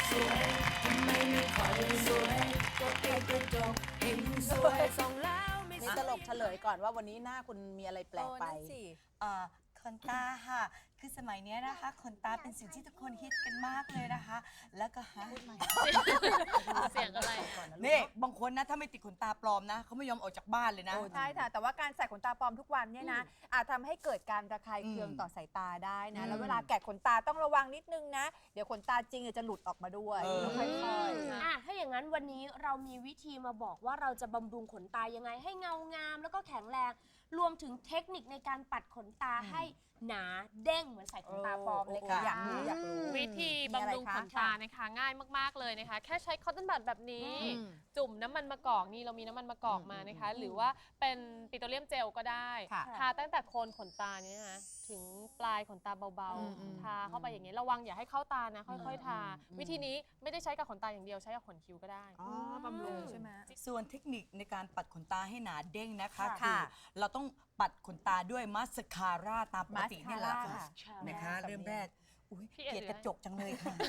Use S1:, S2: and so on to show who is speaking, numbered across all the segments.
S1: สวยทำไมไม่ค่อยสวยก็เปิดกระจกเห็นสวยส่องแล้วไม่
S2: นี่ตลกเฉลยก่อนว่าวันนี้หน้าคุณมีอะไรแปลกไป
S3: ขนตาค่ะ คือสมัยเนี้ยนะคะขนตาเป็นสิ่งที่ทุกคนฮิตกันมากเลยนะคะ แล้วก็
S4: เสียงอะไรอะ
S3: นี่บางคนนะถ้าไม่ติดขนตาปลอมนะเขาไม่ยอมออกจากบ้านเลยนะ
S5: ใช่ค่ะแต่ว่าการใส่ขนตาปลอมทุกวันเนี่ยนะอาจทำให้เกิดการระคายเคืองต่อสายตาได้นะแล้วเวลาแกะขนตาต้องระวังนิดนึงนะ เดี๋ยวขนตาจริงจะหลุดออกมาด้วยต้องค่อยๆ
S4: ถ้าอย่างนั้นวันนี้เรามีวิธีมาบอกว่าเราจะบำรุงขนตายังไงให้เงางามแล้วก็แข็งแรงรวมถึงเทคนิคในการปัดขนตาให้หนาเด้งเหมือนใส่ขนตาปลอมเลยค่ะ
S5: อยากรู้
S4: วิธีบำรุงขนตานะคะง่ายมากๆเลยนะคะ แค่ใช้คอตตอนบัดแบบนี้ จุ่มน้ำมันมะกอกนี่เรามีน้ำมันมะกอกมานะคะ หรือว่าเป็นปิโตรเลียมเจลก็ได้ ทาตั้งแต่โคนขนตาเนี่ยนะถึงปลายขนตาเบาๆทาเข้าไปอย่างนี้ระวังอย่าให้เข้าตานะค่อยๆทาวิธีนี้ไม่ได้ใช้กับขนตาอย่างเดียวใช้กับขนคิ้วก็ได้
S5: บำรุงใช่ไหม
S3: ส่วนเทคนิคในการปัดขนตาให้หนาเด้งนะคะ
S5: ค่ะ
S3: คือเราต้องปัดขนตาด้วยมาสคาร่าตามปกตินี่แหละ
S5: มาส
S3: ค่ะ
S5: คาร่า
S3: นะคะ
S5: ค่ะ
S3: เริ่มแรกอุ๊ย
S4: พี่เอ๋
S3: เกลียดกระจกจังเลยค่ะ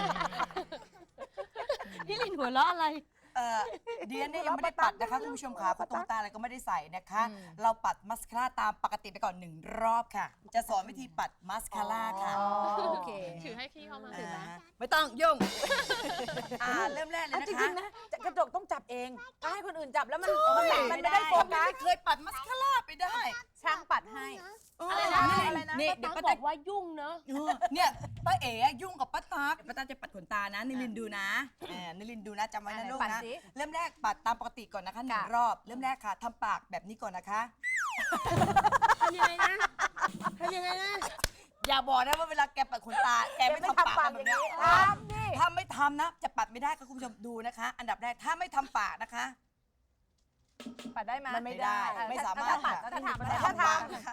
S4: พี่ลินหัวเราะอะไร
S3: เดียนเนี่ยยังไม่ได้ปัดนะคะคุณผู้ชมค่ะเพราะตรงตาอะไรก็ไม่ได้ใส่นะคะ เราปัดมาสคาร่าตามปกติไปก่อน1 รอบค่ะ จะสอนวิธีปัดมาสคาร่าค่ะ
S5: โอเค
S4: ถือให้พี่เข้ามา
S3: ไม่ต้องยุ่งเริ่มแรกเลย
S2: จ
S3: นะคะ
S2: ริงๆนะกระจกต้องจับเองถ้าให้คนอื่นจับแล้วมัน
S3: ใช่
S2: มันไม่ได้โฟกัส
S3: ไม่เคยปัดมาสคาร่าไปได้
S5: ช่างปัดให้
S4: อะไรนะ
S2: อะไรนะ
S3: นี่
S4: ป้า
S3: เดี๋ยว
S4: ตั๊
S3: ป้าก
S4: บ
S3: ตั๊
S4: อก กว่ายุ่งเนอะ
S3: เนี่ยป้าเอ๋ยุ่งกับป้าตั๊กป้าตั๊กจะปัดขนตานะนิลินดูนะนิลินดูนะจำไว้นะลูก
S5: ปัด
S3: นะ
S5: สิ
S3: เริ่มแรกปัดตามปกติก่อนนะคะ1 รอบ เริ่มแรกค่ะทำปากแบบนี้ก่อนนะคะ
S4: ทำยังไงนะทำยังไงนะ
S3: อย่าบอกนะว่าเวลาแกปัดขนตาแกไม่ทำปากแบบนี้
S5: ทำดิ
S3: ถ้าไม่ทำนะจะปัดไม่ได้ค่ะคุณผู้ชมดูนะคะ อันดับแรกถ้าไม่ทำปากนะคะ
S5: ปัดได้ไหม
S2: มันไม่ได้
S3: ไม่สามารถ
S5: ถ้ปัดก็ทำ
S3: ถ้าทำนะคะ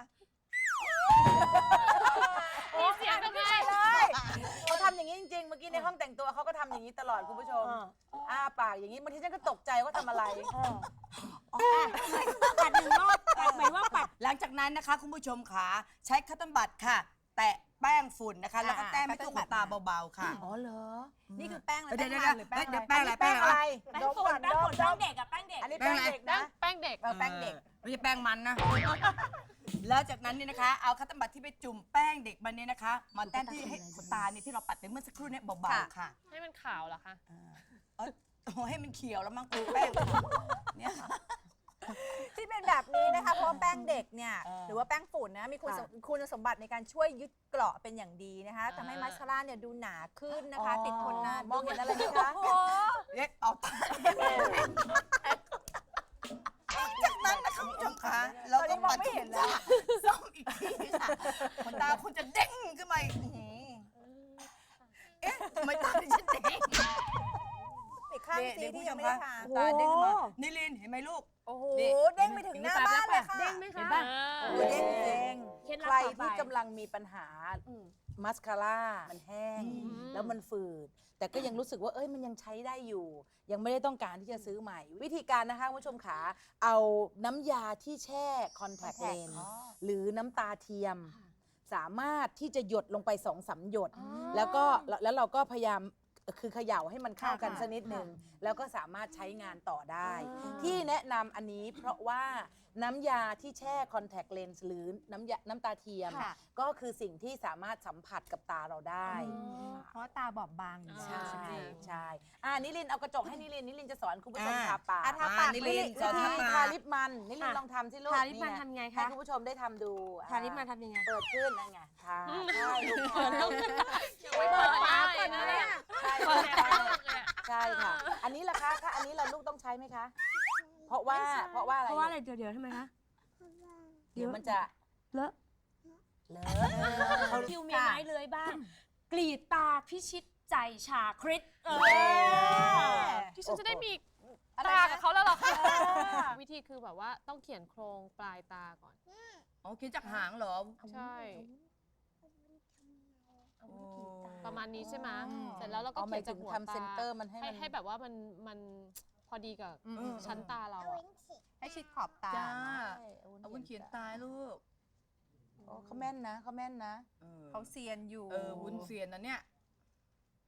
S4: มีเสียงทำไม
S2: เลยเขาทำอย่างนี้จริงๆ เมื่อกี้ในห้องแต่งตัวเขาก็ทำอย่างนี้ตลอดคุณผู้ชมอ้าปากอย่างนี้บางทีฉันก็ตกใจว่าทำอะไร
S4: ปัด1 รอบหมายว่าปัด
S3: หลังจากนั้นนะคะคุณผู้ชมขาใช้คัตเติ้ลบัตค่ะ แตะแป้งฝุ่นนะคะ แล้วก็แต้มให้ตัวขนตาเบาๆค่ะ
S2: อ๋อเหรอ นี่คือแป้งอะไร
S3: เดี๋ยว
S2: แป้งมันหรือแป้ง
S3: เดี๋ยว
S2: อะไร
S3: แป้งอะไร
S2: แป้งอะไร
S5: แป้งฝุ่นแป้งเด็กอะแป้งเด็ก
S2: อันนี้แป้งเด็กนะ
S4: แป้งเด็ก
S2: แป้งเด็ก
S3: ไม่ใช่แป้งมันนะ แล้วจากนั้นเนี่ยนะคะ เอาคัตเติ้ลบัตที่ไปจุ่มแป้งเด็กมันเนี่ยนะคะ มาแต้มที่ให้ขนตาเนี่ยที่เราปัดไปเมื่อสักครู่เนี่ยเบาๆค่ะ
S4: ให้มันขาวเหรอคะ
S3: โอ้ให้มันเขียวแล้วมั้งกูแป้งเนี่ย
S5: ที่เป็นแบบนี้นะคะเพราะว่าแป้งเด็กเนี่ยหรือว่าแป้งฝุ่นนะมีคุณสมบัติในการช่วยยึดเกราะเป็นอย่างดีนะคะทำให้มัสคาร่าเนี่ยดูหนาขึ้นนะคะ ติดทนนาน
S2: มองเห็นอะไรไหมคะ
S3: เรียกเอาตาจากนั้นนะคะคุณผู้ชมคะเราก็ปัดขนตาซ่อมอีกทีค่ะขนตาคุณจะเด้งขึ้นมาอีกเอ๊ะทำไมตาดิฉันเด้ง
S5: อีกข้างซีที่ยังไม่ได้ทา
S3: ตาเด้งขึ้นมานิลินเห็นไหมลูก
S5: โอ้โห
S3: นี่
S5: เด้งไปถึงหน้าบ้านเลยค่ะ
S4: เด้งไหมคะ
S2: เห็นป่ะ
S4: เอ
S2: เด้
S4: อง
S2: เด้ง
S4: เคล็ดลับ
S2: ใคร
S4: ต่อไป
S2: ที่กำลังมีปัญหามัสคาร่ามันแห้ง แล้วมันฝืด แต่ก็ยังรู้สึกว่าเอ้ยมันยังใช้ได้อยู่ ยังไม่ได้ต้องการที่จะซื้อใหม่ วิธีการนะคะคุณผู้ชมขาเอาน้ำยาที่แช่คอนแทคเลนส์หรือน้ำตาเทียม สามารถที่จะหยดลงไป2-3 หยด แล้วเราก็พยายามคือเขย่าให้มันเข้ากันสักนิดหนึ่งแล้วก็สามารถใช้งานต่อได้ ที่แนะนำอันนี้เพราะว่าน้ำยาที่แช่คอนแทคเลนส์หรือน้ำตาเทียม
S5: ค่ะ
S2: ก็คือสิ่งที่สามารถสัมผัสกับตาเราได้
S5: เพราะตาบอบบางอยู่
S2: ใช่
S5: ใช่ไหม
S2: ใช่นิลินเอากระจกให้นิลินจะสอนคุณผู้ชมทาปาก
S5: ทาปาก
S3: นิลินสอน
S2: วิ
S3: ทา
S2: ธี
S3: ปาก
S2: ทาลิปมันนิลินลองทำสิลูก
S4: ทาลิปมันทำไงคะ
S2: ให้คุณผู้ชมได้ทำดู
S4: ทาลิปมันทำยังไง
S2: เปิดขึ้นนั่นไงทาใช่ลูก
S4: ยังไม่เปิดปากก่อนนะเนี่ย
S2: ใช่
S4: เปิด
S2: ใช่
S4: ปากเลยอะ
S2: ใช่ค่ะ อันนี้ล่ะคะถ้าอันนี้เราลูกต้องใช้ไหมคะ เพราะว่าอะไร
S4: เพราะว่าอะไรเดี๋ยวทำไมคะ
S2: เดี๋ยวมันจะ
S4: เลอะ
S2: เลอะ
S4: เขาคิวมีไม้เลื้อยบ้าง กรีดตาพิชิตใจชาคริสที่ฉันจะได้มีตากับเขาแล้วหรอคะวิธีคือแบบว่าต้องเขียนโครงปลายตาก่อน
S3: อ๋อเขียนจากหางเหรอ
S4: ใช่
S3: โอ้
S4: ประมาณนี้ใช่ไหมเสร็จแล้วเราก็
S2: เอาห
S4: เขี
S2: มาย ย
S4: นจา
S2: ถึ
S4: ก
S2: ง
S4: หัว
S2: ทำเซนเตอร์
S4: ตา
S2: มันให้มัน
S4: ให้แบบว่ามันพอดีกับชั้นตาเราอะ
S5: ให้ชิดขอบตา
S3: จ้า
S2: ใช่
S3: เอาวุ้นเขียนตายลูก
S2: โอ้เขาแม่นนะเขาแม่นนะ
S5: เขาเซียนอยู่
S3: วุ้นเสียนนะเนี่ย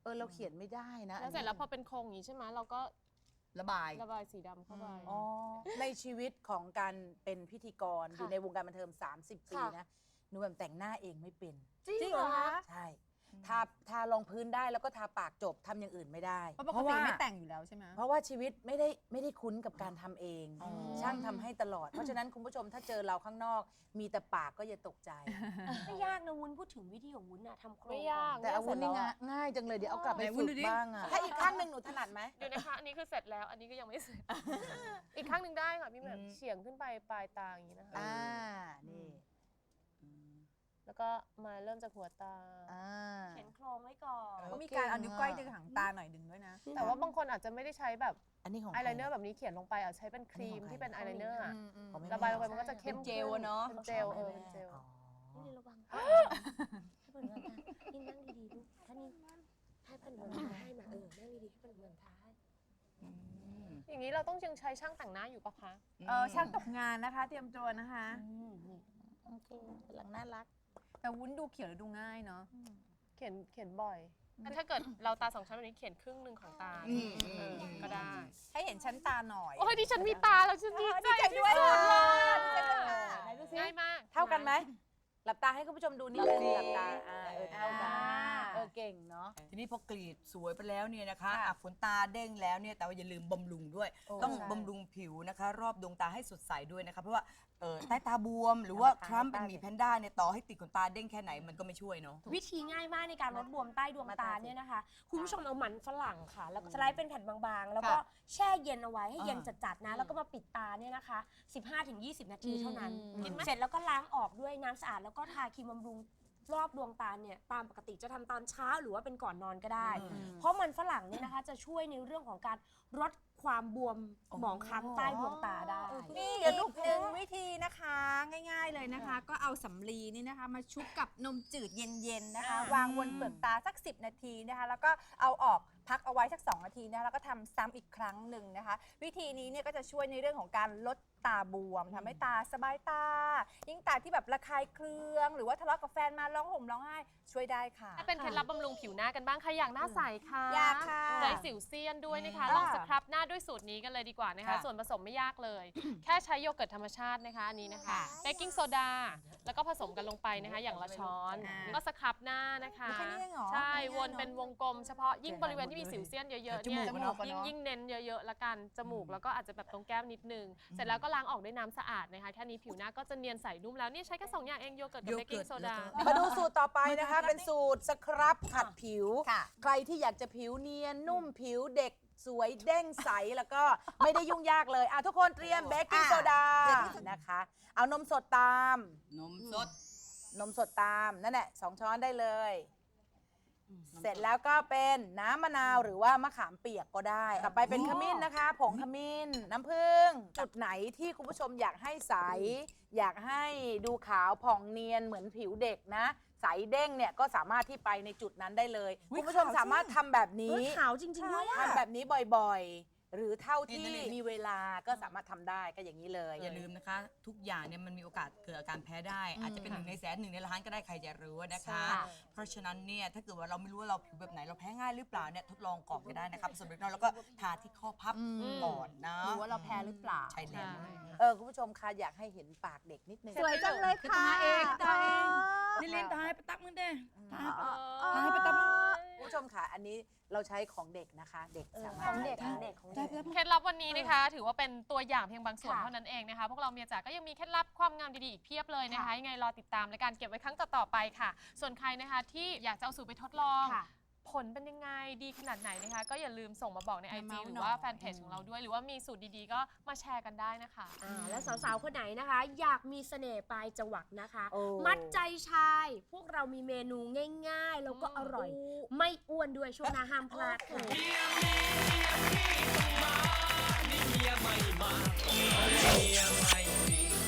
S2: เราเขียนไม่ได้นะ
S4: แล้วเสร็จแล้วพอเป็นโครงอย่างนี้ใช่ไหมเราก็
S3: ระบาย
S4: ระบายสีดำเข้าไป
S2: อ๋อในชีวิตของการเป็นพิธีกร
S5: ค่ะ
S2: อยู่ในวงการบันเทิง30 ปี
S5: ค่ะ
S2: นะหนูแบบแต่งหน้าเองไม่เป็น
S5: จริงเหรอคะ
S2: ใช่ทารองพื้นได้แล้วก็ทาปากจบทำอย่างอื่นไม่ได้
S5: เพราะปกติไม่แต่งอยู่แล้วใช่ไหม
S2: เพราะว่าชีวิตไม่ได้คุ้นกับการทำเอง ช่างทำให้ตลอด เพราะฉะนั้นคุณผู้ชมถ้าเจอเราข้างนอก มีแต่ปากก็อย่าตกใจ
S6: ไม่ยากนะวุ้นพูดถึงวิธีของวุ้นอะทำโครง
S4: ไม่ยาก
S2: แต่อาวุธนี่ง่ายจังเลยเดี๋ยวเอากลับไป
S3: ไหนวุ้
S2: ฝึ
S3: น
S2: ก
S3: ดูดิ
S2: บ้างอะถ้าอีกข้างหนึ่งหนูถนัดไหม
S4: เดี๋ยวนะคะอันนี้คือเสร็จแล้ว อันนี้ก็ยังไม่เสร็จ อีกข้างหนึ่งได้ค่ะพี่แหม่มเฉียงขึ้นไปปลายตาอย่างนี้นะคะ
S2: นี่
S4: แล้วก็มาเริ่มจากหัวตา
S6: เขียนโครงไว้ก่อน
S5: ก็มีการเอานิ้วก้อยดึงหางตาหน่อยดึงด้วยนะ
S4: แต่ว่าบางคนอาจจะไม่ได้ใช้แบบ
S2: อันนี้ของ
S4: อายไลเนอร์แบบนี้เขียนลงไปอาจจะใช้เป็นครีมที่เป็นอายไลเนอร์อะ
S2: ของแม่
S4: ระบายลงไปมันก็จะเข้ม
S3: เป็นเจลอะเนอะ
S4: เป็นเจลเป็นเจล
S6: นี่ระวังให้ผลเงินทานี่นั่งดีๆลูกถ้านี่ให้ผลเงินทาให้มานั่งดีๆให้ผลเงินทาให้
S4: อย่างนี้เราต้องยังใช้ช่างแต่งหน้าอยู่ปะคะ
S5: ช่างตกงานนะคะ เตรียมตัวนะคะ
S6: นี่
S2: โอเคกำลังน่ารัก
S5: แต่วุ้นดูเขียวแล้วดูง่ายเนาะ
S4: เขียนบ่อยงั้นถ้าเกิดเราตา2ชั้นแบบนี้เขียนครึ่งหนึ่งของตาก็ได้
S5: ให้เห็นชั้นตาหน่อย
S4: โอ้ยดิฉันมีตาแล้วฉันดีใจ
S5: ด้วย
S4: ที่สุดเลย
S5: ดีใจด้วยค่ะ
S2: ไหนดูสิ
S4: ง่ายมาก
S2: เท่ากันไหม หลับตาให้คุณผู้ชมดูนิดนึงหลับตาเท่ากัน
S5: อ่า
S2: เก่งเนาะ
S3: ทีนี้พอกรีดสวยไปแล้วเนี่ยนะคะ
S5: ค่ะ
S3: ขนตาเด้งแล้วเนี่ยแต่ว่าอย่าลืมบำรุงด้วย
S2: โอ้
S3: ต้อง
S2: ใช่
S3: บำรุงผิวนะคะ รอบดวงตาให้สดใสด้วยนะคะ เพราะว่าใต้ตาบวมหรือว่าคล้ำเป็นหมีแพนด้าเนี่ยต่อให้ติดขนตาเด้งแค่ไหนมันก็ไม่ช่วยเนาะ
S6: วิธีง่ายมากในการลดบวมใต้ดวงตาเนี่ยนะคะ คุณผู้ชมเอามันฝรั่งค่ะ แล้วก็สไลด์เป็นแผ่นบางๆ แล้วก็แช่เย็นเอาไว้ให้เย็นจัดๆนะ แล้วก็มาปิดตาเนี่ยนะคะ 15-20 นาทีเท่านั้น เสร็จแล้วก็ล้างออกด้วยน้ำสะอาดแล้วก็ทาครีมบำรุงรอบดวงตาเนี่ยตามปกติจะทำตอนเช้าหรือว่าเป็นก่อนนอนก็ได้ เพราะมันฝรั่งเนี่ยนะคะจะช่วยในเรื่องของการลดความบวมหมองคล้ำใต้ดวงตาได้
S5: นี่อีกหนึ่งวิธีนะคะ ง่ายๆเลยนะคะ ก็เอาสำลีนี่นะคะ มาชุบกับนมจืดเย็นๆนะคะ วางบนเปลือกตาสัก 10 นาทีนะคะ แล้วก็เอาออกพักเอาไว้สัก 2 นาทีนะคะแล้วก็ทำซ้ำอีกครั้งหนึ่งนะคะ วิธีนี้เนี่ยก็จะช่วยในเรื่องของการลดตาบวมทำให้ตาสบายตา ยิ่งตาที่แบบระคายเคือง หรือว่าทะเลาะกับแฟนมาร้องห่มร้องไห้ช่วยได้ค่ะ
S4: ถ้าเป็นเคล็ดลับบำรุงผิวหน้ากันบ้างใครอยากหน้าใสค่ะ
S5: อยากค่ะ
S4: ใจสิวเซียนด้วยนะคะ
S5: อ่า
S4: ลองสครับหน้าด้วยสูตรนี้กันเลยดีกว่านะคะ
S3: ค่ะ
S4: ส่วนผสมไม่ยากเลย แค่ใช้โยเกิร์ตธรรมชาตินะคะอันนี้นะคะ
S5: ค่ะ
S4: เบกกิ้งโซดาแล้วก็ผสมกันลงไปนะคะ อย่างละช้อน
S5: อ่า
S4: ก็สครับหน้านะคะ
S5: แค่นี้เองเหรอ
S4: ใช่
S5: ง่ายๆ
S4: วน
S5: เนอะ
S4: เป็นวงกลมเฉพาะยิ่งบริเวณที่มีสิวเซียนเยอะๆ
S3: จ
S4: เนี่
S3: มู
S4: ย
S3: กอะเนาะ
S4: ยิ่งเน้นเยอะๆละกันจมูกแล้วก็อาจจะแบบตรงแก้มนิดนึงเสร็จแล้วก็ล้างออกด้วยน้ำสะอาดนะคะแค่นี้ผิวหน้าก็จะเนียนใสนุ่มแล้วนี่ใช้แค่2 อย่างเองโยเกิร์ตกับเบกกิ้งโซดา
S2: มาดูสูตรต่อไปนะคะ เป็นสูตรสครับขัดผิว
S5: ค่ะ
S2: ใครที่อยากจะผิวเนียนนุ่มผิวเด็กสวยเด้งใสแล้วก็ไม่ได้ยุ่งยากเลยทุกคนเตรียมเบกกิ้งโซดานะคะ เอานมสดตาม
S3: นมสด
S2: นมสดตามนั่นแหละ2 ช้อนได้เลย เสร็จแล้วก็เป็นน้ำมะนาวหรือว่ามะขามเปียกก็ได้ต่อไปเป็นขมิ้นนะคะ ผงขมิ้นน้ำผึ้งจุดไหนที่คุณผู้ชมอยากให้ใส อยากให้ดูขาวผ่องเนียนเหมือนผิวเด็กนะ ใสเด้งเนี่ยก็สามารถที่ไปในจุดนั้นได้เลย คุณผู้ชมสามารถทำแบบนี้
S6: ขาวจริงๆด้วยอะ
S2: ทำแบบนี้บ่อยๆ หรือเท่าที่
S3: นี่
S2: มีเวลาก็สามารถทำได้ก็อย่างนี้เลย
S3: อย่าลืมนะคะ ทุกอย่างเนี่ยมันมีโอกาสเกิดอาการแพ้ได้ อาจจะเป็น1 ในแสน1 ในล้านก็ได้ใครจะรู้นะคะ เพราะฉะนั้นเนี่ยถ้าเกิดว่าเราไม่รู้ว่าเราผิวแบบไหนเราแพ้ง่ายหรือเปล่าเนี่ยทดลองก่อนก็ได้นะคะผสมเล็กน้อยแล้วก็ทาที่ข้อพับก่อนนะ
S5: ดูว่าเราแพ้หรือเปล่า
S3: ใช่แล้ว
S2: คุณผู้ชมคะอยากให้เห็นปากเด็กนิดนึง
S5: สวยจังเลยค่ะ
S3: ตาเองนี่ลินตายไปตักมึงเด้ตายไปตักมึง
S2: คุณผู้ชมค่ะอันนี้เราใช้ของเด็กนะคะ เด็กสามารถ
S6: ของเด็ก
S2: ใช้
S6: ของ
S2: ได้
S6: เด็กของเด็ก
S4: เคล็ดลับวันนี้นะคะ ถือว่าเป็นตัวอย่างเพียงบางส่วน
S6: ค่ะ
S4: เท่านั้นเองนะคะ พวกเราเมียจ๋าก็ยังมีเคล็ดลับความงามดีๆอีกเพียบเลยนะคะยังไงรอติดตามและการเก็บไว้ครั้งต่อๆไปค่ะ ส่วนใครนะคะที่อยากจะเอาสูตรไปทดลอง
S6: ค่ะ
S4: ผลเป็นยังไงดีขนาดไหนนะคะ ก็อย่าลืมส่งมาบอกใน IG หรือว่าแฟนเพจของเราด้วย หรือว่ามีสูตรดีๆก็มาแชร์กันได้นะคะ
S6: แล้วสาวๆ คนไหนนะคะ อยากมีเสน่ห์ปลายจวักนะคะ
S2: โอ้
S6: มัดใจชาย พวกเรามีเมนูง่ายๆ แล้วก็อร่อย ไม่อ้วนด้วยช่วงหน้าห้ามพลาดค่ะ
S1: เมียไม่มา นี่เมียไม่มา เมียไม่มี